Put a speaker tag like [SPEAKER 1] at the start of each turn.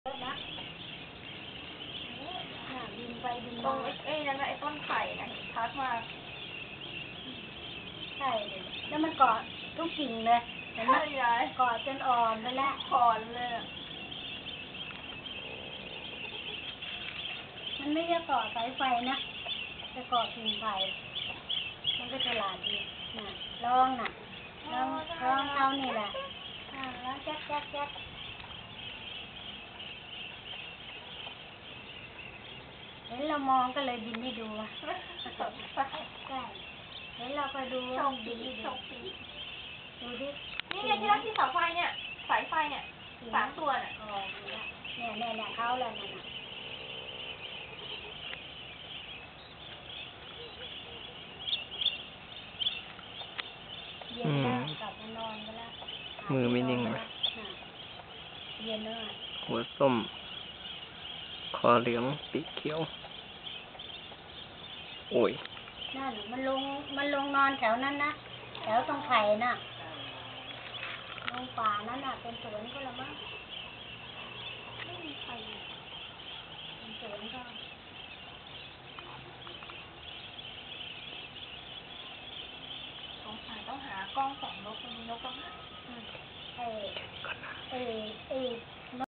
[SPEAKER 1] นะบินไปบิน
[SPEAKER 2] ตร
[SPEAKER 1] มาง
[SPEAKER 2] นั่นไอ้ต้นไผ่นะชัดมาก
[SPEAKER 1] ใช่แล้วมันเกาะทุกกิ่งเลยเห็นไหมเกาะจนอ่อนไปแล้ว
[SPEAKER 2] อ่อนเลย
[SPEAKER 1] มันไม่ใช่เกาะสายไฟนะจะเกาะกิ่งไผ่มันก็ฉลาดดีน่ะลองน่ะลองเอานี่แหละแล้วแจ๊กแจ๊กแจ๊กเห็นเรามองก็เลยบินให้ดูใช่เห็นเราก็ดูบินให้ดูดูดิ
[SPEAKER 2] นี่ไงที่รักที่เสาไฟเนี่ยสายไฟเนี่ย3 ตัวน่ะ
[SPEAKER 1] เนี่ยเขาแล้วนั่นน่ะเย็นแล้วกลับมานอนกันแล้ว
[SPEAKER 3] มือไม่นิ่งเลย
[SPEAKER 1] เย็นแล้ว
[SPEAKER 3] หัวส้มคอเหลืองปีกเขียวโอ้ย
[SPEAKER 1] นั่นมันลงนอนแถวนั้นนะแถวตรงไผ่น่ะลงป่านั้นน่ะเป็นสวนก็ละมั้งไม่มีใครเป็นสวนก็
[SPEAKER 2] ต้องหากล้องส่องนกมีนกบ้างไหม
[SPEAKER 1] เออ